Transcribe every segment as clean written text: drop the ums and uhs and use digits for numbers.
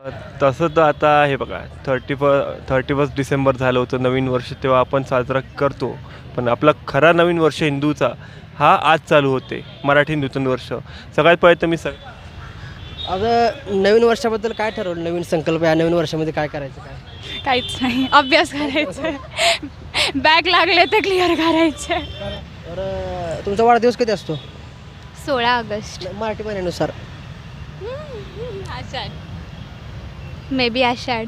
तसं तर आता हे बघा 31 डिसेंबर झालं होतं नवीन वर्ष, तेव्हा आपण साजरा करतो. पण आपला खरा नवीन वर्ष हिंदूचा हा आज चालू होते, मराठी नूतन वर्ष. सगळ्यात पहिले तर मी आता नवीन वर्षाबद्दल काय ठरवलं? नवीन संकल्प या नवीन वर्षामध्ये काय करायचं काय? काहीच नाही, अभ्यास करायचा, बॅक लागले तर क्लिअर करायचे. तर तुमचा वाढदिवस कधी असतो? 16 August. Marathi महिन्यानुसार. Ashadh, may be आषाढ.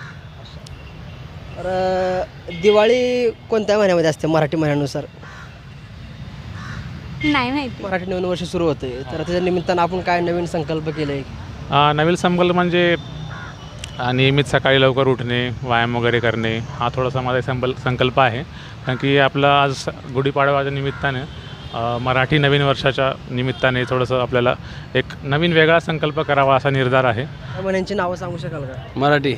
तर दिवाळी कोणत्या महिन्यामध्ये असते मराठी महिन्यानुसार? नाही माहिती. मराठी नवीन वर्ष सुरू होते, तर त्याच्या निमित्तानं आपण काय नवीन संकल्प केले? नवीन संकल्प म्हणजे नियमित सकाळी लवकर उठणे, व्यायाम वगैरे करणे, हा थोडासा माझा संकल्प आहे. कारण की आपला आज गुढीपाडवाच्या निमित्ताने मराठी नवीन वर्षाच्या निमित्ताने थोडंसं आपल्याला एक नवीन वेगळा संकल्प करावा असा निर्धार आहे. त्या महिन्यांची नावं सांगू शकाल का? मराठी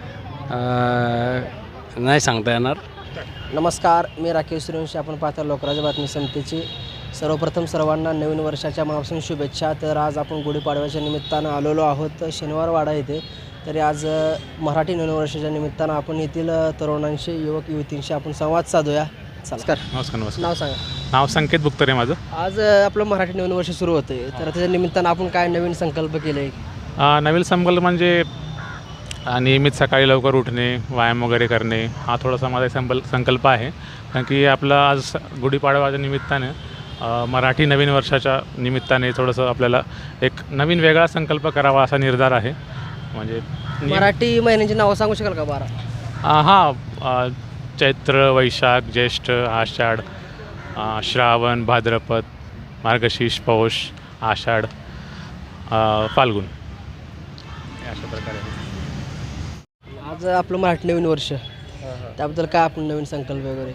नाही सांगता येणार. नमस्कार, मी राकेश सूर्यवंशी. आपण पाहता लोकराज्य बातमी समितीची. सर्वप्रथम सर्वांना नवीन वर्षाच्या मनापासून शुभेच्छा. तर आज आपण गुढीपाडव्याच्या निमित्तानं आलेलो आहोत शनिवारवाडा येथे. तरी आज मराठी नवीन वर्षाच्या निमित्तानं आपण येथील तरुणांशी, युवक युवतींशी आपण संवाद साधूया. नमस्कार. नमस्कार. नाव सांगा. नाव संकेत बुक्तरे माझं. आज आपलं मराठी नवीन वर्ष सुरू होते, तर त्याच्या निमित्तानं आपण काय नवीन संकल्प केले? नवीन संकल्प म्हणजे नियमित सकाळी लवकर उठणे, व्यायाम वगैरे करणे, हा थोडासा माझा संकल्प आहे. कारण की आपला आज गुढीपाडवाच्या निमित्ताने मराठी नवीन वर्षाच्या निमित्ताने थोडंसं आपल्याला एक नवीन वेगळा संकल्प करावा असा निर्धार आहे. म्हणजे मराठी महिन्यांची नावं सांगू शकाल का? 12. चैत्र, वैशाख, ज्येष्ठ, आषाढ, श्रावण, भाद्रपद, मार्गशीर्ष, पौष, आषाढ, फाल्गुन, अशा प्रकारे. आज आपलं मराठी नवीन वर्ष, त्याबद्दल काय आपण नवीन संकल्प वगैरे?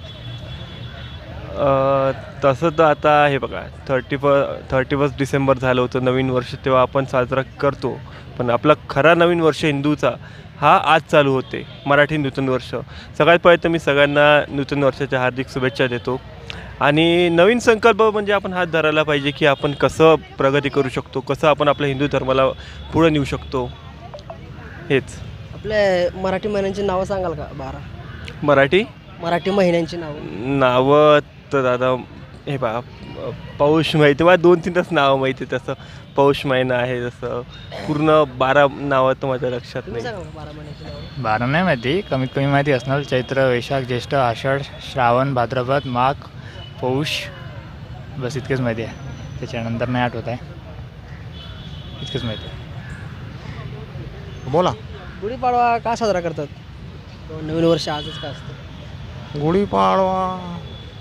तसं तर आता हे बघा 31 डिसेंबर झालं होतं नवीन वर्ष, तेव्हा आपण साजरा करतो. पण आपला खरा नवीन वर्ष हिंदूचा हा आज चालू होते, मराठी नूतन वर्ष. सगळ्यात पहिले तर मी सगळ्यांना नूतन वर्षाच्या हार्दिक शुभेच्छा देतो. आणि नवीन संकल्प म्हणजे आपण हात धरायला पाहिजे की आपण कसं प्रगती करू शकतो, कसं आपण आपल्या हिंदू धर्माला पुढं नेऊ शकतो. हेच. आपल्या मराठी महिन्यांची नावं सांगाल का? 12 मराठी महिन्यांची नावं तर दादा हे बा पौष माहिती, मला 2-3च नावं माहिती. तसं पौष महिना आहे, जसं पूर्ण 12 नावं तर माझ्या लक्षात नाही. 12 महिन्यांची नावं? 12 नाही माहिती, कमीत कमी माहिती असणार. चैत्र, वैशाख, ज्येष्ठ, आषाढ, श्रावण, भाद्रपद, माघ, पौष, बस इतकेच माहिती आहे. त्याच्यानंतर नाही आठवत आहे, इतकेच माहिती आहे. बोला. गुढीपाडवा का साजरा करतात? नवीन वर्ष आजच का असतं? गुढीपाडवा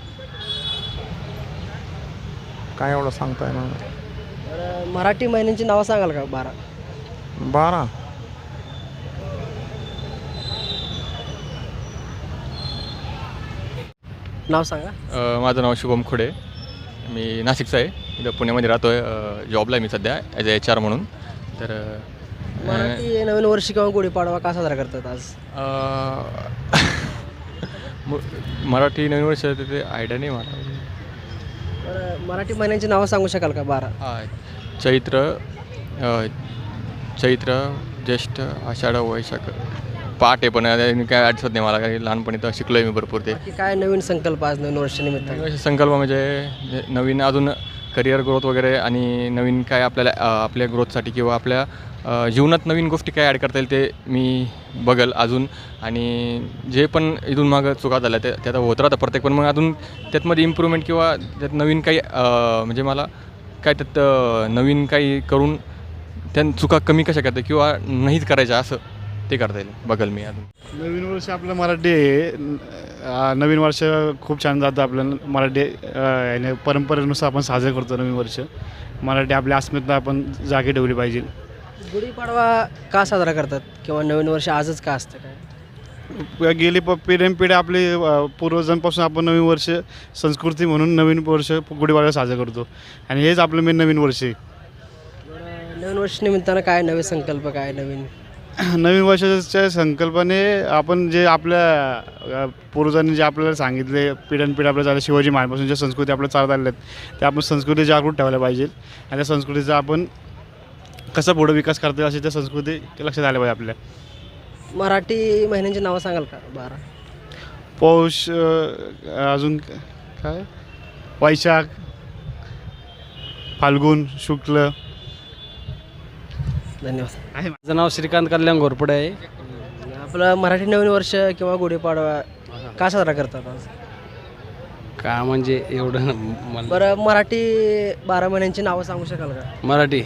काय एवढं सांगता येणार. तर मराठी महिन्यांची नावं सांगाल का? 12. नाव सांगा. माझं नाव शुभम खुडे, मी नाशिकचा आहे. इथं पुण्यामध्ये राहतो आहे. जॉबला आहे मी सध्या ॲज अ HR म्हणून. तर मराठी नवीन वर्ष किंवा गुढीपाडवा का साजरा करतात आज? मराठी नवीन वर्ष ते आयडिया नाही मला. तर मराठी महिन्यांची नावं सांगू शकाल का? 12. चैत्र, ज्येष्ठ, आषाढ, वैशाख, पाठ आहे पण काय आठवत नाही मला. काही लहानपणी तर शिकलो आहे मी भरपूर. ते काय नवीन संकल्प आज नवीन वर्षानिमित्त? संकल्प म्हणजे नवीन अजून करिअर ग्रोथ वगैरे, आणि नवीन काय आपल्याला आपल्या ग्रोथसाठी किंवा आपल्या जीवनात नवीन गोष्टी काय ॲड करता येईल ते मी बघेल अजून. आणि जे पण इथून मागं चुका झाल्या ते आता होत राहतं प्रत्येक, पण मग अजून त्यातमध्ये इम्प्रूव्हमेंट किंवा त्यात नवीन काही म्हणजे मला काय त्यात नवीन काही करून त्या चुका कमी कशा करता किंवा नाहीच करायच्या असं ते करता येईल बघेल मी अजून. नवीन वर्ष आपलं मराठी आहे. नवीन वर्ष खूप छान जातं आपलं. मराठी याने परंपरेनुसार आपण साजरं करतो नवीन वर्ष. मराठी आपल्या अस्मिता आपण जागी ठेवली पाहिजे. गुढीपाडवा का साजरा करतात किंवा नवीन वर्ष आजच का असतं काय? गेली पिढ्यानपिढ्या आपली पूर्वजांपासून आपण नवीन वर्ष संस्कृती म्हणून नवीन वर्ष गुढीपाडवा साजरा करतो, आणि हेच आपलं मेन नवीन वर्ष आहे. नवीन वर्ष निमित्तानं काय नवे संकल्प, काय नवीन वर्षाच्या संकल्पने आपण जे आपल्या पूर्वजांनी जे आपल्याला सांगितले, पिढ्यानपिढ्या आपल्या चालल्या, शिवाजी महाराजांपासून ज्या संस्कृती आपल्या चालत आल्या आहेत त्या आपण संस्कृती जागृत ठेवायला पाहिजे. आणि त्या संस्कृतीचा आपण कसं पुढं विकास करता येईल अशी त्या संस्कृती लक्षात आल्या पाहिजे आपल्या. मराठी महिन्यांची नावं सांगाल का 12? पौष, अजून काय, वैशाख, फाल्गुन, शुक्ल. धन्यवाद. माझं नाव श्रीकांत कल्याण घोरपडे आहे. आपलं मराठी नवीन वर्ष किंवा गुढीपाडवा का साजरा करतात आज? का म्हणजे एवढं मला बरं, मराठी 12 महिन्यांची नावं सांगू शकाल का? मराठी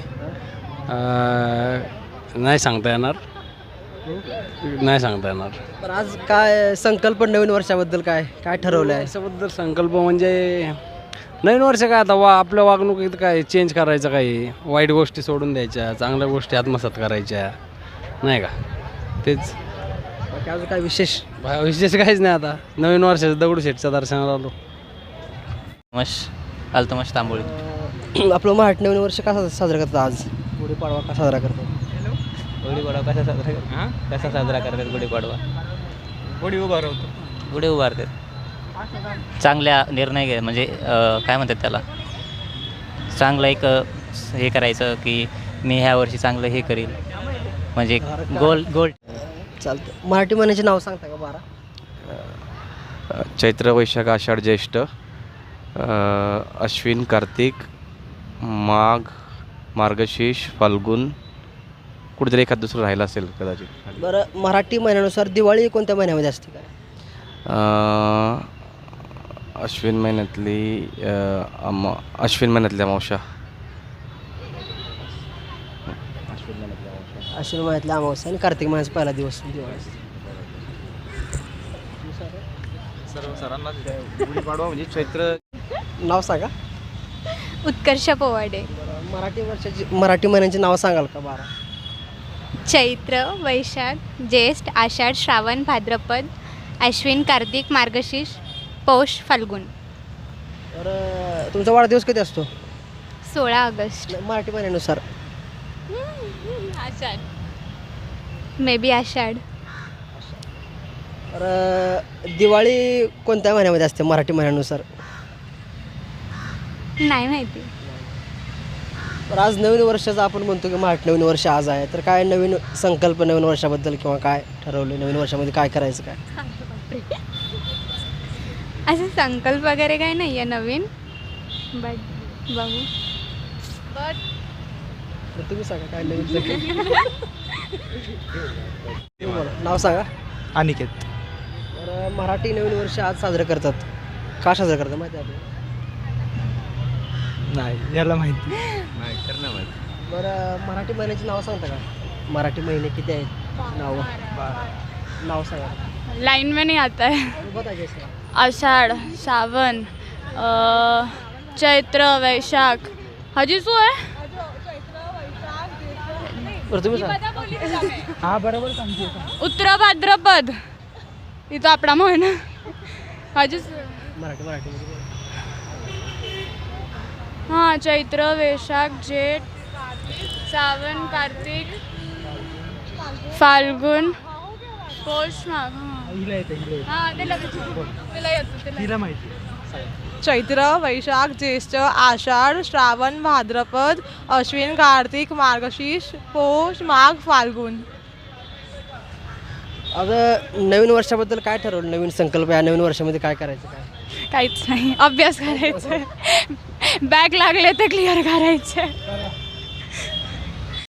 नाही सांगता येणार. नाही सांगता येणार. बरं, आज काय संकल्प नवीन वर्षाबद्दल काय काय ठरवलं आहे? त्याच्याबद्दल संकल्प म्हणजे नवीन वर्ष काय आता आपल्या वागणुकीत काय चेंज करायचं, काही वाईट गोष्टी सोडून द्यायच्या, चांगल्या गोष्टी आत्मसात करायच्या, नाही का? तेच. बाकी अजून काय विशेष? विशेष काहीच नाही. आता नवीन वर्षाचं दगडूशेठच्या दर्शनाला आलो. अल्तमश तांबोळी. आपलं मराठी नवीन वर्ष का साजरा करतात आज? गुढीपाडवा का साजरा करतात? गुढीपाडवा कसा साजरा करतात? गुढीपाडवा गुढी उभारतात. चांगल्या निर्णय घे, म्हणजे काय म्हणतात त्याला, चांगलं एक हे करायचं की मी ह्या वर्षी चांगलं हे करील, म्हणजे गोल. चालतं. मराठी महिन्याची नाव सांगता का 12? चैत्र, वैशाख, आषाढ, ज्येष्ठ, अश्विन, कार्तिक, माघ, मार्गशीर्ष, फाल्गुन, कुठेतरी एखाद दुसरं राहिलं असेल कदाचित. बरं, मराठी महिन्यानुसार दिवाळी कोणत्या महिन्यामध्ये असते काय? अश्विन महिन्यातली अश्विन महिन्यातल्या अमावस्या. अश्विन महिन्यातल्या अमावस्या आणि कार्तिक महिन्याचा पहिला दिवस दिवाळी असते. गुढीपाडवा म्हणजे चैत्र. नाव सांगा. उत्कर्ष पोवाडे. मराठी महिन्यांची नावं सांगाल का 12? चैत्र, वैशाख, ज्येष्ठ, आषाढ, श्रावण, भाद्रपद, अश्विन, कार्तिक, मार्गशीर्ष, पौष, फाल्गुन. तर तुमचा वाढदिवस कधी असतो? 16 August. Marathi महिन्यानुसार Ashadh, may be आषाढ. तर दिवाळी कोणत्या महिन्यामध्ये असते मराठी महिन्यानुसार? नाही माहिती. तर आज नवीन वर्षाचं आपण म्हणतो की मराठी नवीन वर्ष आज आहे, तर काय नवीन संकल्प नवीन वर्षाबद्दल किंवा काय ठरवलं नवीन वर्षामध्ये काय करायचं काय? असं संकल्प वगैरे काही नाही आहे नवीन, बट बघू. तर तुम्ही सांगा काय नवीन संकल्प. नाव सांगा. अनिकेत. तर मराठी नवीन वर्ष आज साजरं करतात. का साजरं करतात माहिती आहे आपल्याला? नाही याला माहिती. बरं, मराठी महिन्याची नावं सांगता का? मराठी महिने किती आहेत? नाव सांगा. लाइन में नहीं आता है. बताइए सर. आषाढ़, सावन, चैत्र, वैशाख, हजी शू है? बरं तुम्ही सांगा. हा बरोबर सांगते. उत्तर भाद्रपद, इथं आपला महिना. हजी मराठी हाँ, चैत्र, वैशाख, जेठ, सावन, कार्तिक, फाल्गुन, पौष, माघ. चैत्र, वैशाख, ज्येष्ठ, आषाढ, श्रावण, भाद्रपद, अश्विन, कार्तिक, मार्गशीर्ष, पौष, माघ, फाल्गुन. आता नवीन वर्षाबद्दल काय ठरवलं? नवीन संकल्प या नवीन वर्षामध्ये काय करायचं काय? काहीच नाही, अभ्यास करायचं, बॅक लागले तर क्लिअर करायचे.